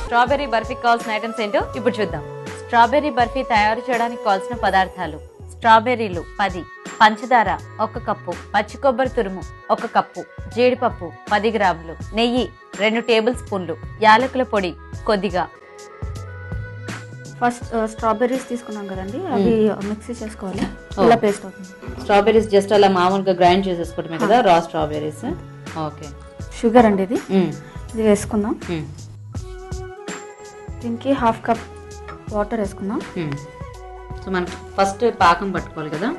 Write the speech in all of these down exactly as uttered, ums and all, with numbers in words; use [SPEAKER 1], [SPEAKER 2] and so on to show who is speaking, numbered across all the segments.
[SPEAKER 1] Strawberry బర్ఫీకి కావాల్సిన items ఏంటో ఇప్పుడు చూద్దాం. స్ట్రాబెర్రీ బర్ఫీ తయారు చేయడానికి కావాల్సిన పదార్థాలు: స్ట్రాబెర్రీలు పది, పంచదార ఒక కప్పు, పచ్చి కొబ్బరి తురుము ఒక కప్పు, జీడిపప్పు పది గ్రాములు, నెయ్యి రెండు టేబుల్ స్పూన్లు, యాలకుల పొడి కొద్దిగా.
[SPEAKER 2] ఫస్ట్ స్ట్రాబెర్రీస్ తీసుకున్నాం కదండి, అవి మిక్సీ చేసుకోవాలి. ఇలా పేస్ట్ అవుతుంది.
[SPEAKER 1] స్ట్రాబెర్రీస్ జస్ట్ అలా మామూలుగా గ్రైండ్ చేసేసుకోవటమే కదా, రా స్ట్రాబెర్రీస్. ఓకే.
[SPEAKER 2] షుగర్ అండి ఇది ఇది వేసుకుందాం. దీనికి హాఫ్ కప్ వాటర్ వేసుకుందాం.
[SPEAKER 1] సో మనకి ఫస్ట్ పాకం పట్టుకోవాలి కదా.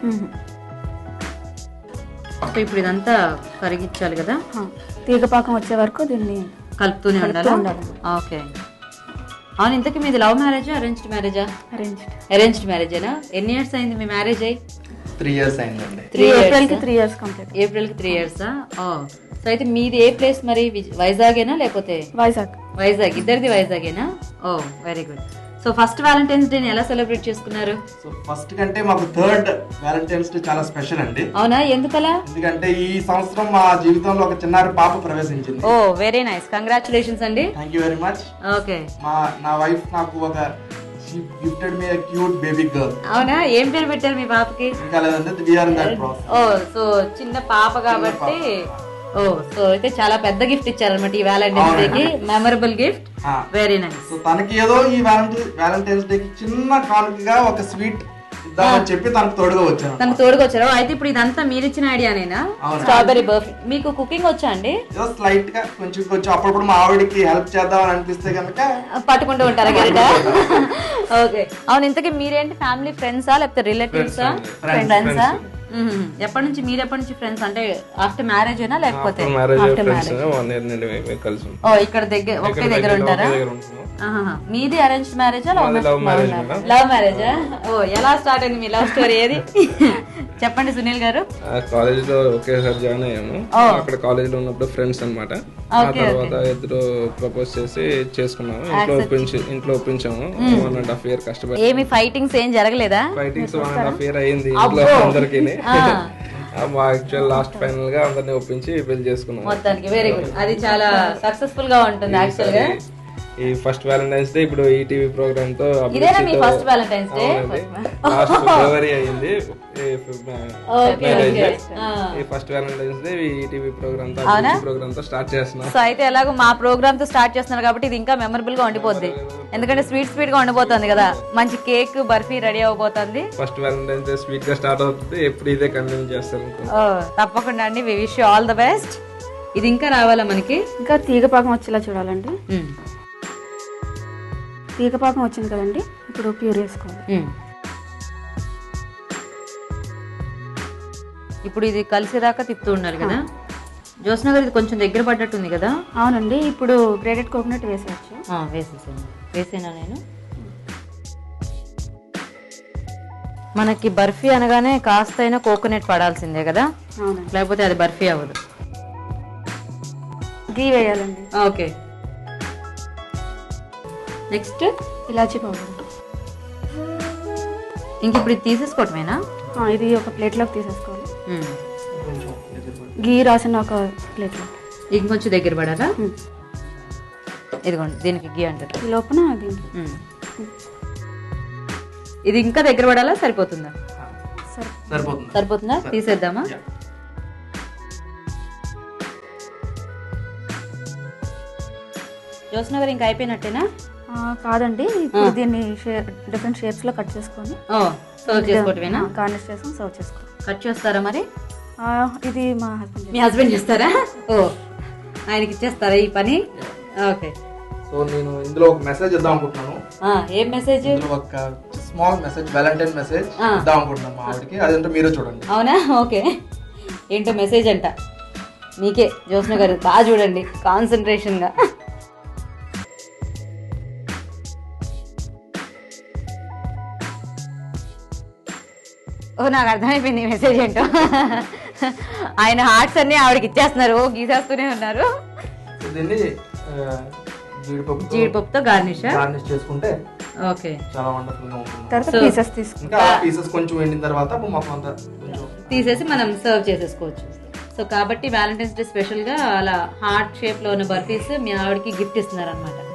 [SPEAKER 1] సో ఇప్పుడు ఇదంతా కరిగించాలి కదా,
[SPEAKER 2] తీగ పాకం వచ్చే వరకు దీన్ని
[SPEAKER 1] కలుపుతూనే ఉండాలి. ఓకే. అవును, ఇంతకీ మీది లవ్ మ్యారేజా అరేంజ్డ్ మ్యారేజా?
[SPEAKER 2] అరేంజ్డ్.
[SPEAKER 1] అరేంజ్డ్ మ్యారేజేనా? ఎన్ని ఇయర్స్ అయింది మీ మ్యారేజ్ అయ్యి?
[SPEAKER 3] త్రీ ఇయర్స్ అయిందండి.
[SPEAKER 2] త్రీ ఏప్రిల్ కి త్రీ ఇయర్స్ కంప్లీట్.
[SPEAKER 1] ఏప్రిల్ కి త్రీ ఇయర్సా? ఓ, సో అయితే మీది ఏ ప్లేస్ మరి? వైజాగేనా లేకపోతే?
[SPEAKER 2] వైజాగ్.
[SPEAKER 1] వైజాగ్. ఇద్దరిది వైజాగేనా? Oh, very good. So first valentine's day ఎలా సెలబ్రేట్ చేసుకున్నారు?
[SPEAKER 3] సో ఫస్ట్ కంటే మాకు థర్డ్ వ్యాలంటైన్స్ డే చాలా స్పెషల్ అండి.
[SPEAKER 1] అవునా, ఎందుకలా?
[SPEAKER 3] ఎందుకంటే ఈ సంవత్సరం మా జీవితంలో ఒక చిన్నారి పాప ప్రవేశించింది.
[SPEAKER 1] ఓ, వెరీ నైస్, కంగ్రాచులేషన్స్ అండి.
[SPEAKER 3] Thank you very much.
[SPEAKER 1] Okay.
[SPEAKER 3] మా నా వైఫ్ నాకు ఒక గిఫ్టెడ్ మీ క్యూట్ బేబీ గర్ల్.
[SPEAKER 1] అవునా, ఏం పేరు పెట్టారు మీ పాపకి?
[SPEAKER 3] ఇంకా లేదంటే we are in that process.
[SPEAKER 1] Oh, so చిన్న పాప కాబట్టి. ఓ, సో అయితే చాలా పెద్ద గిఫ్ట్ ఇచ్చారన్నమాట ఈ వ్యాలంటైన్స్ డే కి. Memorable gift. Very nice.
[SPEAKER 3] So తనకి ఏదో ఈ వ్యాలంటైన్స్ డే కి చిన్న కానుకగా ఒక స్వీట్ ఇద్దామని చెప్పి తనకు తోడుగా వచ్చాను.
[SPEAKER 1] తనకు తోడుగా వచ్చారు. అయితే ఇప్పుడు ఇదంతా మీరు ఇచ్చిన ఐడియానేనా? స్ట్రాబెర్రీ బర్ఫీ. మీకు కుకింగ్ వచ్చా అండి?
[SPEAKER 3] స్లైట్ గా కొంచెం కొంచెం అప్పుడప్పుడు మా ఆవిడకి హెల్ప్ చేద్దామని అనిపిస్తే కనుక
[SPEAKER 1] పట్టుకుంటూ ఉంటారా గరిట? ఓకే. అవును, ఇంతకీ మీరేంటి ఫ్యామిలీ ఫ్రెండ్సా లేకపోతే రిలేటివ్సా? ఫ్రెండ్సా? ఎప్పటి నుంచి మీరు ఎప్పటి నుంచి ఫ్రెండ్స్? అంటే ఆఫ్టర్ మ్యారేజ్ అయినా లేకపోతే ఆఫ్టర్ మ్యారేజ్? ఓ, ఇక్కడ దగ్గర ఒకే దగ్గర ఉంటారా? మీది అరేంజ్డ్ మ్యారేజా లవ్ మ్యారేజా? ఓ, ఎలా స్టార్ట్ అయింది మీ లవ్ స్టోరీ? ఏది చెప్పండి సునీల్ గారు.
[SPEAKER 4] కాలేజ్ లో ఒకేసారి జాయిన్ అయ్యాము. అక్కడ కాలేజ్ లో ఉన్నప్పుడు ఫ్రెండ్స్ అన్నమాట. ఆ తర్వాత ఇద్దరు ప్రపోజ్ చేసి చేసుకున్నాము. ఇంట్లో ఒప్పించి ఇంట్లో ఒప్పించాము. వన్ అండ్ హాఫ్ ఇయర్ కష్టపడి.
[SPEAKER 1] ఏమి ఫైటింగ్స్ ఏం జరగలేదా?
[SPEAKER 4] Fightings one and half year అయ్యింది ఇంట్లో అందరికి. యాక్చువల్ లాస్ట్ ఫైనల్ గా అందరిని ఒప్పించి పెళ్లి చేసుకున్నాం
[SPEAKER 1] మొత్తానికి. Very good. అది చాలా సక్సెస్ఫుల్ గా ఉంటుంది యాక్చువల్ గా.
[SPEAKER 4] ఈ ఫస్ట్ వ్యాలంటైన్స్ డే ఇప్పుడు ఈటీవీ ప్రోగ్రామ్ తో
[SPEAKER 1] ఇదేనా మీ first valentine's day?
[SPEAKER 4] Last February అయ్యింది మ్యారేజ్. ఈ first valentine's day ETV program తో ప్రోగ్రామ్ తో స్టార్ట్ చేస్తున్నాం.
[SPEAKER 1] సో అయితే ఎలాగో మా ప్రోగ్రామ్ తో స్టార్ట్ చేస్తున్నారు కాబట్టి ఇది ఇంకా మెమరబుల్ గా ఉండిపోద్ది. ఎందుకంటే స్వీట్ స్వీట్ గా ఉండిపోతుంది కదా, మంచి కేక్ బర్ఫీ రెడీ అవబోతుంది.
[SPEAKER 4] ఫస్ట్ వ్యాలంటైన్స్ డే స్వీట్ గా స్టార్ట్ అవుతుంది. ఎప్పుడు ఇదే కంటిన్యూ చేస్తాను.
[SPEAKER 1] తప్పకుండా అండి. We wish you all the best. ఇది ఇంకా రావాలా మనకి?
[SPEAKER 2] ఇంకా తీగ పాకం వచ్చేలా చూడాలండి. తీగ పాకం వచ్చింది కదండి, ఇప్పుడు ప్యూర్ వేసుకోవాలి.
[SPEAKER 1] ఇప్పుడు ఇది కలిసేదాకా తిప్పుతూ ఉండాలి కదా. జ్యోత్స్న గారు, ఇది కొంచెం దగ్గర పడ్డట్టుంది కదా?
[SPEAKER 2] అవునండి. ఇప్పుడు గ్రేటెడ్ కోకోనట్ వేసేయచ్చు.
[SPEAKER 1] వేసేసాను. వేసేనా నేను? మనకి బర్ఫీ అనగానే కాస్త అయినా కోకోనట్ పడాల్సిందే కదా, లేకపోతే అది బర్ఫీ అవ్వదు.
[SPEAKER 2] గీ వేయాలండి.
[SPEAKER 1] ఓకే. Next
[SPEAKER 2] elaichi powder.
[SPEAKER 1] ఇంక ఇప్పుడు ఇది తీసేసుకోవటమేనా?
[SPEAKER 2] ఇది ఒక ప్లేట్లోకి తీసేసుకోవాలి. గీ రాసిన ఒక ప్లేట్లో
[SPEAKER 1] ఇంకొంచెం దగ్గర పడాలా? ఇదిగోండి, దీనికి గీ అంటారు.
[SPEAKER 2] ఈ లోపల
[SPEAKER 1] ఇది ఇంకా దగ్గర పడాలా? సరిపోతుందా? సరిపోతుందా? తీసేద్దామా? జ్యోత్స్న గారు, ఇంకా అయిపోయినట్టేనా?
[SPEAKER 2] కాదండి, ఇప్పుడు దీన్ని డిఫరెంట్ షేప్స్ లో కట్ చేసుకొని
[SPEAKER 1] సర్వ్ చేసుకోవటమేనా?
[SPEAKER 2] గార్నిష్ చేసుకొని సర్వ్ చేసుకోవాలి.
[SPEAKER 1] కట్ చేస్తారా మరి?
[SPEAKER 2] ఇది మా హస్బెండ్.
[SPEAKER 1] మీ హస్బెండ్ చేస్తారా? ఓ, ఆయనకి ఇచ్చేస్తారా ఈ పని? ఓకే.
[SPEAKER 3] సో నేను ఇందులో ఒక మెసేజ్ ఇద్దాం అనుకుంటున్నాను.
[SPEAKER 1] ఏం మెసేజ్?
[SPEAKER 3] ఒక స్మాల్ మెసేజ్, వ్యాలంటైన్ మెసేజ్ ఇద్దాం అనుకుంటున్నాను మా ఆవిడకి. అదంటే మీరే చూడండి.
[SPEAKER 1] అవునా? ఓకే. ఏంటో మెసేజ్ అంట మీకే. జ్యోత్స్న గారు బాగా చూడండి, కాన్సన్ట్రేషన్ గా. ఓ, నాకు అర్థమైపోయింది మెసేజ్ ఏంటో. ఆయన హార్ట్స్ అన్ని ఆవిడకి ఇచ్చేస్తున్నారు. ఓ, గీసేస్తూనే ఉన్నారు. జీడిపప్పుతో గార్నిష్
[SPEAKER 3] గార్నిష్ చేసుకుంటే
[SPEAKER 1] ఓకే,
[SPEAKER 3] చాలా వండర్ఫుల్ గా ఉంటుంది.
[SPEAKER 2] తర్వాత పీసెస్ తీసుకుంటా.
[SPEAKER 3] పీసెస్ కొంచెం ఎండిన తర్వాత మొత్తం అంతా
[SPEAKER 1] తీసేసి మనం సర్వ్ చేసేసుకోవచ్చు. సో కాబట్టి వ్యాలంటైన్స్ డే స్పెషల్ గా అలా హార్ట్ షేప్ లో ఉన్న బర్ఫీస్ మీ ఆవిడకి గిఫ్ట్ ఇస్తున్నారు అనమాట.